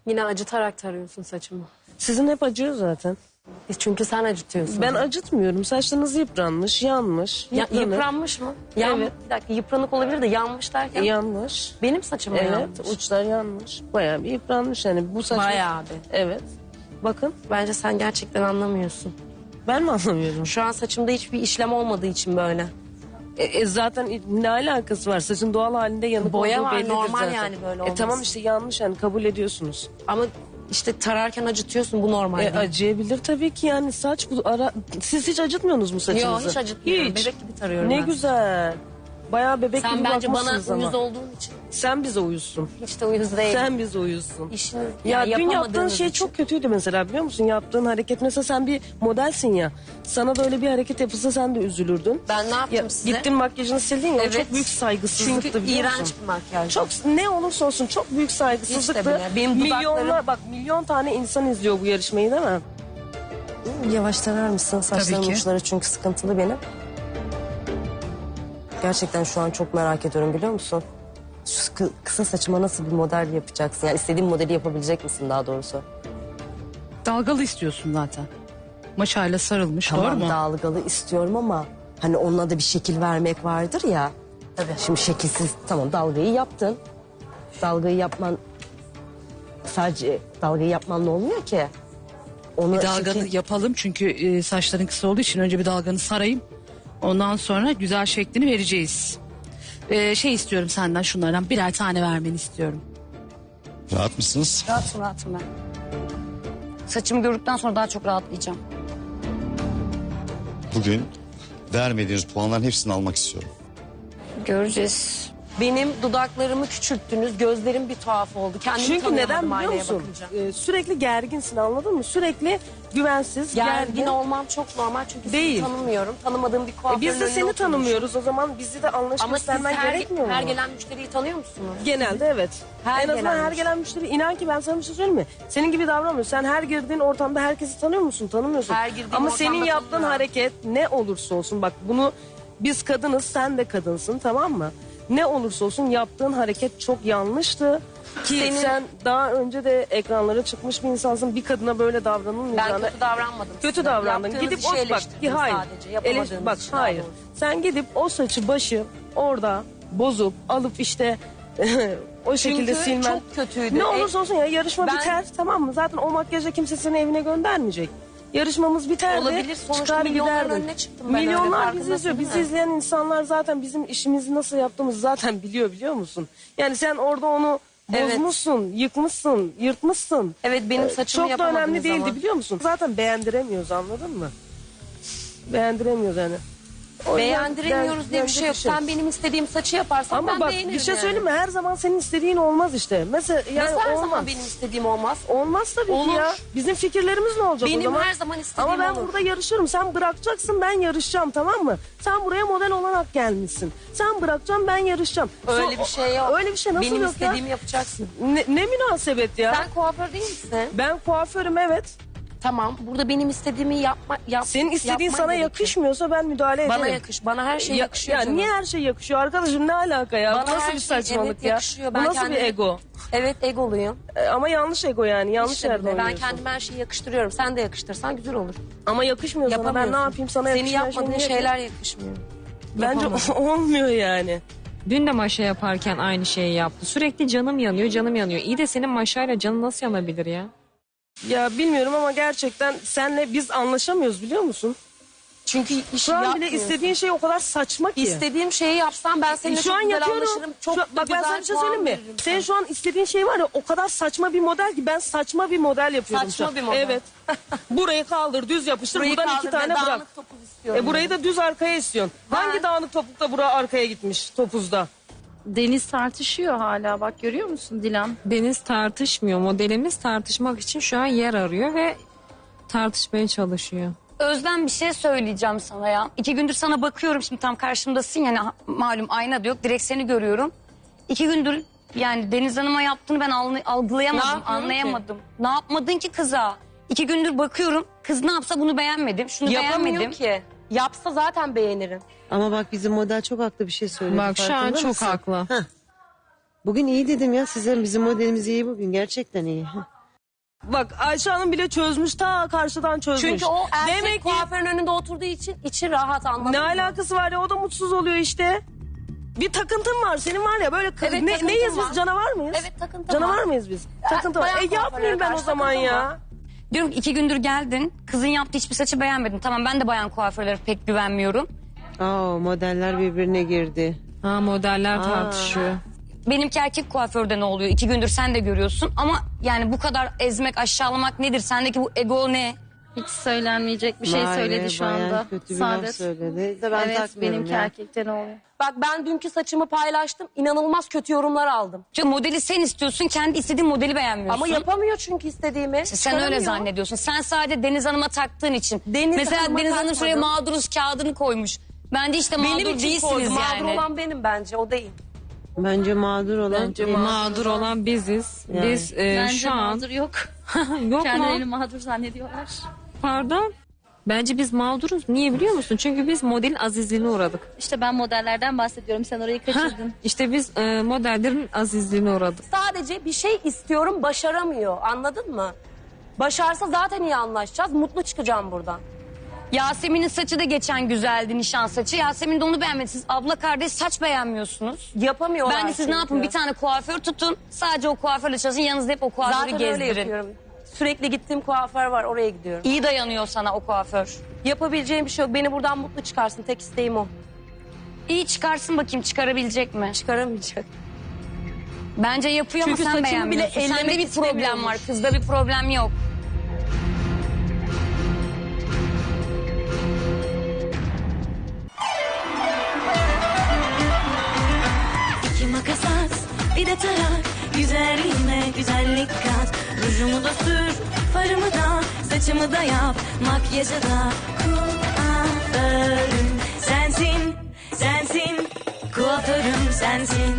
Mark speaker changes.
Speaker 1: Yine acıtarak tarıyorsun saçımı.
Speaker 2: Sizin hep acıyor zaten.
Speaker 1: Çünkü sen acıtıyorsun.
Speaker 2: Ben acıtmıyorum. Saçlarınız yıpranmış, yanmış.
Speaker 1: Yıpranmış mı?
Speaker 2: Evet.
Speaker 1: Bir dakika, yıpranık olabilir de yanmış derken.
Speaker 2: Yanmış.
Speaker 1: Benim saçım mı
Speaker 2: Evet,
Speaker 1: yanmış?
Speaker 2: uçlar yanmış. Bayağı bir yıpranmış yani. Bu saç.
Speaker 1: Bayağı bir.
Speaker 2: Evet. Bakın,
Speaker 1: Bence sen gerçekten anlamıyorsun.
Speaker 2: ben mi anlamıyorum?
Speaker 1: Şu an saçımda hiçbir işlem olmadığı için böyle.
Speaker 2: Zaten ne alakası var? Saçın doğal halinde yanık
Speaker 1: Boya
Speaker 2: olduğu
Speaker 1: var,
Speaker 2: bellidir
Speaker 1: normal
Speaker 2: zaten.
Speaker 1: yani böyle olması.
Speaker 2: Tamam işte yanlış yani kabul ediyorsunuz.
Speaker 1: Ama işte tararken acıtıyorsun, bu normal değil.
Speaker 2: Acıyabilir tabii ki yani saç bu ara... Siz hiç acıtmıyorsunuz mu saçınızı?
Speaker 1: Yok, hiç acıtmıyorum.
Speaker 2: Hiç.
Speaker 1: Bebek gibi tarıyorum
Speaker 2: Ne
Speaker 1: ben.
Speaker 2: güzel. Bayağı bebek
Speaker 1: Sen
Speaker 2: gibi
Speaker 1: bence bana
Speaker 2: bakmışsınız ama.
Speaker 1: uyuz olduğun için.
Speaker 2: Sen bize uyuzsun.
Speaker 1: Hiç de uyuz değil.
Speaker 2: Sen bize uyuzsun.
Speaker 1: İşini
Speaker 2: Ya dün yaptığın
Speaker 1: yapamadığınız
Speaker 2: şey
Speaker 1: için.
Speaker 2: çok kötüydü mesela biliyor musun? Yaptığın hareket mesela sen bir modelsin ya. Sana da öyle bir hareket yapılsa sen de üzülürdün.
Speaker 1: Ben ne yaptım
Speaker 2: Ya,
Speaker 1: size?
Speaker 2: gittin makyajını sildin ya o
Speaker 1: Evet.
Speaker 2: çok büyük saygısızlıktı
Speaker 1: Çünkü
Speaker 2: biliyor musun?
Speaker 1: iğrenç bir makyaj.
Speaker 2: Çok ne olursa olsun çok büyük saygısızlıktı.
Speaker 1: Hiç de bile. Benim
Speaker 2: Milyonlar bak milyon tane insan izliyor bu yarışmayı değil mi? Yavaş tarar mısın? Saçlarımın
Speaker 3: ki.
Speaker 2: uçları çünkü sıkıntılı benim. Gerçekten şu an çok merak ediyorum biliyor musun? Şu kısa saçıma nasıl bir model yapacaksın? Yani istediğin modeli yapabilecek misin daha doğrusu?
Speaker 3: Dalgalı istiyorsun zaten. Maşayla sarılmış,
Speaker 2: Tamam
Speaker 3: doğru mu?
Speaker 2: dalgalı istiyorum ama hani onunla da bir şekil vermek vardır ya.
Speaker 1: Tabii.
Speaker 2: Şimdi şekilsiz tamam dalgayı yaptın. Dalgayı yapman sadece dalgayı yapmanla olmuyor ki. Onu
Speaker 3: Bir dalganı yapalım çünkü saçların kısa olduğu için önce bir dalganı sarayım. Ondan sonra güzel şeklini vereceğiz. Şey istiyorum senden şunlardan birer tane vermeni istiyorum.
Speaker 4: Rahat mısınız?
Speaker 5: Rahatım ben. Saçımı gördükten sonra daha çok rahatlayacağım.
Speaker 4: Bugün vermediğiniz puanların hepsini almak istiyorum.
Speaker 5: Göreceğiz.
Speaker 1: Benim dudaklarımı küçülttünüz, gözlerim bir tuhaf oldu. Kendimi
Speaker 2: Çünkü neden
Speaker 1: tanıyamadım
Speaker 2: biliyor
Speaker 1: aynaya
Speaker 2: musun?
Speaker 1: bakınca.
Speaker 2: Sürekli gerginsin anladın mı? Sürekli güvensiz,
Speaker 1: Gergin olmam çok normal çünkü
Speaker 2: Değil.
Speaker 1: sizi tanımıyorum. Tanımadığım bir kuaförün
Speaker 2: Biz de
Speaker 1: önüne
Speaker 2: seni
Speaker 1: oturmuşum.
Speaker 2: tanımıyoruz o zaman bizi de anlayış
Speaker 1: Ama siz
Speaker 2: göstermen gerekmiyor mu?
Speaker 1: her gelen müşteriyi tanıyor musunuz?
Speaker 2: Genelde evet.
Speaker 1: Her
Speaker 2: En azından
Speaker 1: gelen
Speaker 2: her
Speaker 1: müşteri.
Speaker 2: gelen müşteri inan ki ben sana bir şey söyleyeyim mi? Senin gibi davranmıyorsun. Sen her girdiğin ortamda herkesi tanıyor musun? Tanımıyorsun.
Speaker 1: Her girdiğim
Speaker 2: Ama
Speaker 1: ortamda
Speaker 2: senin yaptığın
Speaker 1: tanıyorum.
Speaker 2: hareket ne olursa olsun bak bunu biz kadınız sen de kadınsın tamam mı? Ne olursa olsun yaptığın hareket çok yanlıştı. Ki sen daha önce de ekranlara çıkmış bir insansın. Bir kadına böyle
Speaker 1: Ben
Speaker 2: davranılmayacağını...
Speaker 1: kötü davranmadım.
Speaker 2: Kötü
Speaker 1: size.
Speaker 2: davrandın.
Speaker 1: Yaptığınız
Speaker 2: Gidip
Speaker 1: işi
Speaker 2: o bak
Speaker 1: eleştirdim
Speaker 2: hayır.
Speaker 1: sadece. Yapamadığınız
Speaker 2: Bak
Speaker 1: işi daha
Speaker 2: hayır.
Speaker 1: doğrusu.
Speaker 2: Sen gidip o saçı başı orada bozup alıp işte o şekilde
Speaker 1: Çünkü
Speaker 2: silmen.
Speaker 1: çok kötüydü.
Speaker 2: Ne olursa olsun ya yarışma
Speaker 1: Ben-
Speaker 2: biter tamam mı? Zaten o makyajla kimse seni evine göndermeyecek. Yarışmamız biterdi.
Speaker 1: Olabilir, sonuçta
Speaker 2: çıkar
Speaker 1: milyonların
Speaker 2: giderdin.
Speaker 1: önüne çıktım ben öyle,
Speaker 2: Milyonlar
Speaker 1: farkındasın
Speaker 2: bizi izliyor.
Speaker 1: değil
Speaker 2: Bizi
Speaker 1: mi?
Speaker 2: izleyen insanlar zaten bizim işimizi nasıl yaptığımızı zaten biliyor musun? Yani sen orada onu
Speaker 1: Evet.
Speaker 2: bozmuşsun, yıkmışsın, yırtmışsın.
Speaker 1: Evet benim saçımı
Speaker 2: Çok da
Speaker 1: yapamadınız
Speaker 2: önemli değildi
Speaker 1: ama.
Speaker 2: biliyor musun? Zaten beğendiremiyoruz anladın mı? Beğendiremiyoruz yani. O yüzden
Speaker 1: Beğendiremiyoruz diye bir şey yok.
Speaker 2: beğenecek
Speaker 1: Sen benim istediğim saçı yaparsan
Speaker 2: Ama
Speaker 1: ben
Speaker 2: bak
Speaker 1: beğenirim
Speaker 2: bir şey
Speaker 1: yani.
Speaker 2: söyleyeyim mi? Her zaman senin istediğin olmaz işte. Mesela yani
Speaker 1: Nasıl her
Speaker 2: olmaz.
Speaker 1: zaman benim istediğim olmaz?
Speaker 2: Olmaz tabii
Speaker 1: Olur.
Speaker 2: ki ya. Bizim fikirlerimiz ne olacak o
Speaker 1: Benim
Speaker 2: zaman?
Speaker 1: her zaman istediğim
Speaker 2: Ama ben
Speaker 1: olur.
Speaker 2: burada yarışırım. Sen bırakacaksın ben yarışacağım tamam mı? Sen buraya model olarak gelmişsin. Sen bırakacaksın ben yarışacağım.
Speaker 1: Öyle bir şey yok.
Speaker 2: Öyle bir şey nasıl
Speaker 1: benim
Speaker 2: yok ya?
Speaker 1: istediğimi yapacaksın.
Speaker 2: Ne münasebet ya?
Speaker 1: Sen kuaför değil misin?
Speaker 2: Ben kuaförüm evet.
Speaker 1: Tamam. Burada benim istediğimi
Speaker 2: Senin istediğin
Speaker 1: yapman
Speaker 2: sana
Speaker 1: gerekiyor.
Speaker 2: yakışmıyorsa ben müdahale ederim.
Speaker 1: Bana yakış. Bana her şey yakışıyor
Speaker 2: Ya
Speaker 1: canım.
Speaker 2: niye her şey yakışıyor arkadaşım ne alaka ya?
Speaker 1: Bana
Speaker 2: Bu nasıl
Speaker 1: her
Speaker 2: bir
Speaker 1: şey,
Speaker 2: saçmalık
Speaker 1: evet,
Speaker 2: ya?
Speaker 1: yakışıyor.
Speaker 2: Bu
Speaker 1: Ben
Speaker 2: nasıl bir
Speaker 1: kendime-
Speaker 2: ego?
Speaker 1: Evet egoluyum.
Speaker 2: Ama yanlış ego yani. Yanlış
Speaker 1: İşte
Speaker 2: yerde
Speaker 1: bile. Ben
Speaker 2: oynuyorsun.
Speaker 1: kendime her şeyi yakıştırıyorum. Sen de yakıştırsan güzel olur.
Speaker 2: Ama yakışmıyor sana. Ben
Speaker 1: Yapamıyorsun.
Speaker 2: ne yapayım sana
Speaker 1: Senin
Speaker 2: yakışmayan
Speaker 1: yapmadığın
Speaker 2: şey
Speaker 1: şeyler yakışmıyor.
Speaker 2: Bence
Speaker 1: Yapamadım.
Speaker 2: olmuyor yani.
Speaker 6: Dün de maşa yaparken aynı şeyi yaptı. Sürekli canım yanıyor, canım yanıyor. İyi de senin maşayla canın nasıl yanabilir ya?
Speaker 2: Ya bilmiyorum ama gerçekten senle biz anlaşamıyoruz biliyor musun?
Speaker 1: Çünkü işi
Speaker 2: Şu an bile
Speaker 1: yapmıyorsun.
Speaker 2: istediğin şey o kadar saçma ki.
Speaker 1: İstediğim şeyi yapsam ben seninle
Speaker 2: Şu
Speaker 1: çok
Speaker 2: an
Speaker 1: güzel
Speaker 2: yapıyorum.
Speaker 1: anlaşırım. Çok
Speaker 2: Şu-
Speaker 1: da
Speaker 2: bak ben
Speaker 1: güzel
Speaker 2: sana bir şey
Speaker 1: puan
Speaker 2: söyleyeyim mi?
Speaker 1: veririm
Speaker 2: Senin
Speaker 1: sana.
Speaker 2: şu an istediğin şey var ya o kadar saçma bir model ki ben saçma bir model yapıyorum
Speaker 1: Saçma
Speaker 2: şu an.
Speaker 1: bir model.
Speaker 2: Evet. Burayı kaldır düz yapıştır
Speaker 1: Burayı
Speaker 2: buradan
Speaker 1: kaldır
Speaker 2: iki
Speaker 1: ve
Speaker 2: tane bırak.
Speaker 1: dağınık topuz istiyorum.
Speaker 2: Burayı da düz arkaya istiyorsun. Hangi dağınık topukta bura arkaya gitmiş topuzda?
Speaker 7: Deniz tartışıyor hala bak görüyor musun Dilan?
Speaker 6: Deniz tartışmıyor. Modelimiz tartışmak için şu an yer arıyor ve tartışmaya çalışıyor.
Speaker 5: Özlem bir şey söyleyeceğim sana ya. 2 gündür sana bakıyorum şimdi tam karşımdasın yani malum ayna da yok direkt seni görüyorum. 2 gündür yani Deniz Hanım'a yaptığını ben
Speaker 1: Ne
Speaker 5: algılayamadım,
Speaker 1: yapıyorum
Speaker 5: anlayamadım. Ne yapmadın ki kıza? 2 gündür bakıyorum kız ne yapsa bunu beğenmedim, şunu
Speaker 1: Yapamıyor
Speaker 5: beğenmedim.
Speaker 1: ki. Yapsa zaten beğenirim.
Speaker 8: Ama bak bizim model çok haklı bir şey söyledi.
Speaker 6: Bak şu an
Speaker 8: farkında
Speaker 6: çok
Speaker 8: mısın?
Speaker 6: haklı.
Speaker 8: Bugün iyi dedim ya size bizim modelimiz iyi bugün gerçekten iyi.
Speaker 2: Bak Ayşe Hanım bile çözmüş, ta karşıdan çözmüş.
Speaker 1: Çünkü o erkek
Speaker 2: Demek ki
Speaker 1: kuaförün önünde oturduğu için içi rahat, anladın
Speaker 2: ne
Speaker 1: mı?
Speaker 2: alakası var ya, o da mutsuz oluyor işte. Bir takıntın var senin, var ya böyle
Speaker 1: Evet, takıntım
Speaker 2: neyiz
Speaker 1: var.
Speaker 2: biz, canavar mıyız?
Speaker 1: Evet, takıntım
Speaker 2: Canavar
Speaker 1: var.
Speaker 2: mıyız biz? Takıntı var.
Speaker 1: bayan
Speaker 2: Yapmayayım
Speaker 1: kuaförlere
Speaker 2: ben o
Speaker 1: karşı
Speaker 2: zaman
Speaker 1: takıntım
Speaker 2: ya.
Speaker 1: var.
Speaker 5: Diyorum ki 2 gündür geldin. Kızın yaptığı hiçbir saçı beğenmedin. Tamam, ben de bayan kuaförlere pek güvenmiyorum.
Speaker 8: Modeller birbirine girdi.
Speaker 6: Ha, modeller tartışıyor.
Speaker 5: Benimki erkek kuaförde ne oluyor? 2 gündür sen de görüyorsun. Ama yani bu kadar ezmek, aşağılamak nedir? Sendeki bu ego ne?
Speaker 7: Hiç söylenmeyecek bir şey
Speaker 8: Vay
Speaker 7: söyledi
Speaker 8: be,
Speaker 7: şu
Speaker 8: bayağı
Speaker 7: anda.
Speaker 8: kötü bir laf
Speaker 7: Saadet.
Speaker 8: söyledi. De ben
Speaker 7: Evet,
Speaker 8: takmıyorum
Speaker 7: benimki
Speaker 8: ya.
Speaker 7: erkekte ne oluyor?
Speaker 1: Bak ben dünkü saçımı paylaştım. İnanılmaz kötü yorumlar aldım.
Speaker 5: Çünkü modeli sen istiyorsun, kendi istediğin modeli beğenmiyorsun.
Speaker 1: Ama yapamıyor çünkü istediğimi.
Speaker 5: Sen öyle
Speaker 1: Çıkaramıyor.
Speaker 5: zannediyorsun. Sen sadece Deniz Hanım'a taktığın için.
Speaker 1: Deniz
Speaker 5: Mesela
Speaker 1: Hanım'a
Speaker 5: Deniz Hanım şuraya
Speaker 1: takmadım.
Speaker 5: mağduruz kağıdını koymuş. Bence işte mağdur
Speaker 1: Benim için
Speaker 5: değilsiniz
Speaker 1: koydu.
Speaker 5: yani.
Speaker 1: Mağdur olan benim bence, o değil.
Speaker 8: Bence mağdur olan.
Speaker 6: Mağdur olan biziz.
Speaker 8: Yani.
Speaker 6: Biz
Speaker 7: Bence
Speaker 6: şu an...
Speaker 7: mağdur yok.
Speaker 6: Yok
Speaker 7: Kendilerini
Speaker 6: mu?
Speaker 7: mağdur zannediyorlar.
Speaker 6: Pardon. Bence biz mağduruz. Niye biliyor musun? Çünkü biz modelin azizliğine uğradık.
Speaker 7: İşte ben modellerden bahsediyorum. Sen orayı kaçırdın.
Speaker 6: İşte biz modellerin azizliğine uğradık.
Speaker 1: Sadece bir şey istiyorum, başaramıyor. Anladın mı? Başarsa zaten iyi anlaşacağız. Mutlu çıkacağım buradan.
Speaker 5: Yasemin'in saçı da geçen güzeldi, nişan saçı. Yasemin de onu beğenmedi. Siz abla kardeş saç beğenmiyorsunuz.
Speaker 1: Yapamıyorlar
Speaker 5: Ben de siz ne
Speaker 1: çünkü.
Speaker 5: yapın, bir tane kuaför tutun. Sadece o kuaförle çalışın, yanınızda hep o kuaförü
Speaker 1: Zaten öyle
Speaker 5: gezdirin.
Speaker 1: yapıyorum. Sürekli gittiğim kuaför var, oraya gidiyorum.
Speaker 5: İyi dayanıyor sana o kuaför.
Speaker 1: Yapabileceğim bir şey yok. Beni buradan mutlu çıkarsın. Tek isteğim o.
Speaker 5: İyi çıkarsın bakayım, çıkarabilecek mi?
Speaker 1: Çıkaramayacak.
Speaker 5: Bence yapıyor
Speaker 1: Çünkü
Speaker 5: ama sen
Speaker 1: saçımı bile
Speaker 5: beğenmiyorsun. Sende
Speaker 1: ellemek
Speaker 5: bir problem var,
Speaker 1: istemiyormuş.
Speaker 5: kızda bir problem yok.
Speaker 9: İki makas at, bir de tarak. Güzelliğime güzellik kat. Rujumu da sür, farımı da, saçımı da yap. Makyajı da kuaförüm sensin, sensin. Kuaförüm sensin.